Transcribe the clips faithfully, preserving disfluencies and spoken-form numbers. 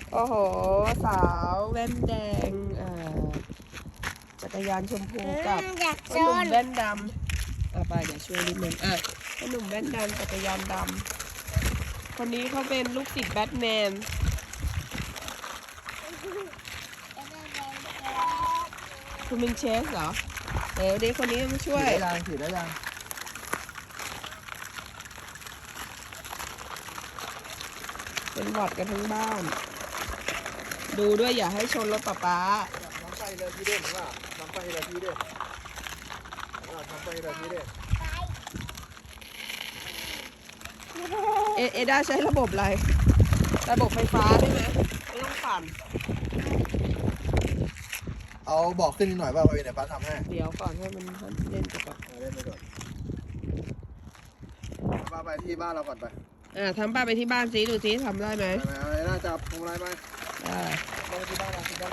โอ้โหสาวแว่นแดงเอ่อจักรยานชมพูกับพ่อหนุ่มแว่นดำอ่ะไปเดี๋ยวช่วยนิดนึงอ่ะพ่อหนุ่มแว่นดำจักรยานดำคนนี้เขาเป็นลูกศิษย์แบทแมนคุณเป็นเชฟเหรอเดี๋ยวเด็กคนนี้มาช่วยถือได้ยังถือได้ยังเป็นหวัดกันทั้งบ้าน ดูด้วยอย่าให้ชนรถป๊าป๊าน้ำไปเลยพี่เด่นว่าน้ำไปเลยพี่เด่นว่าน้ำไปเลยพี่เด่นเอเอด้าใช้ระบบอะไร ระบบไฟฟ้าใช่ไหมไม่ต้องปั่นเอาบอกขึ้นนิดหน่อยว่าเดี๋ยวป้าทำให้เดี๋ยวก่อนให้มันเล่นกับเอาเล่นไปก่อนป้าไปที่บ้านเราก่อนไปอ่าทำป้าไปที่บ้านซิดูซิทำได้ไหมไปไหมเอาไอ้น่าจับพวงมาลัยไปได้ไปที่บ้านเราที่บ้านเรา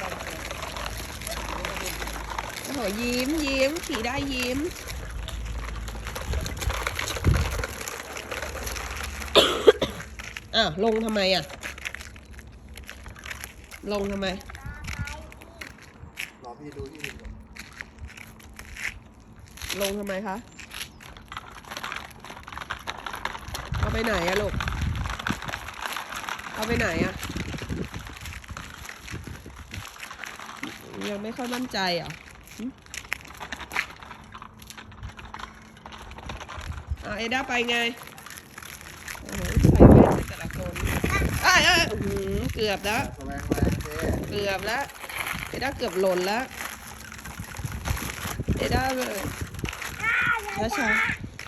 โอ้โหยิ้มยิ้มขี่ได้ยิ้ม อ้าวลงทำไมอ่ะ ลงทำไมรอพี่ดูที่ดินก่อนลงทำไมคะ เอาไปไหนอะลูก เอาไปไหนอะยังไม่ค่อยมั่นใจเหรอหึอ่ะเอด้าไปไงโอ้โหใส่แว่นไปแต่ละคนเอ้ยเอ้ยอื้อหือเกือบแล้วแสวงแรงเท่เกือบแล้วเอด้าเกือบหล่นแล้วเอด้าเลยช้าช้า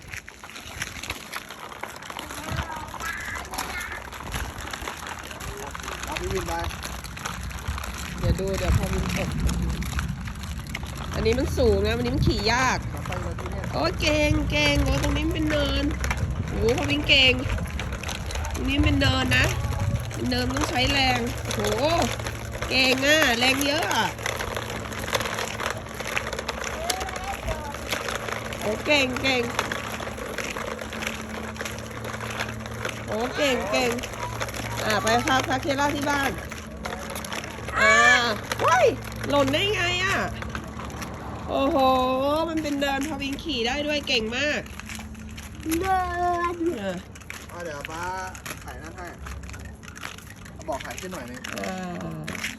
เอาพี่วินไปเดี๋ยวดูเดี๋ยวพอวินตกอันนี้มันสูงนะวันนี้มันขี่ยากน้ำไปเลยพี่เนี่ยโอ้ยเก่งเก่งโอ้ตรงนี้มันเป็นเนินโอ้พอวินเก่งตรงนี้เป็นเนินนะเป็นเนินต้องใช้แรงโอ้โหเก่งอ่ะแรงเยอะอ่ะโอ้เก่งเก่งโอ้เก่งเก่งอ่าไปพาพาเคล่าที่บ้านอ่าเฮ้ยหล่นได้ไงอ่ะโอ้โหมันเป็นเดินพอวินขี่ได้ด้วยเก่งมากเดินอ่าเอาเดี๋ยวป้าถ่ายนั่นให้เอาบอกถ่ายขึ้นหน่อยนึงอ่า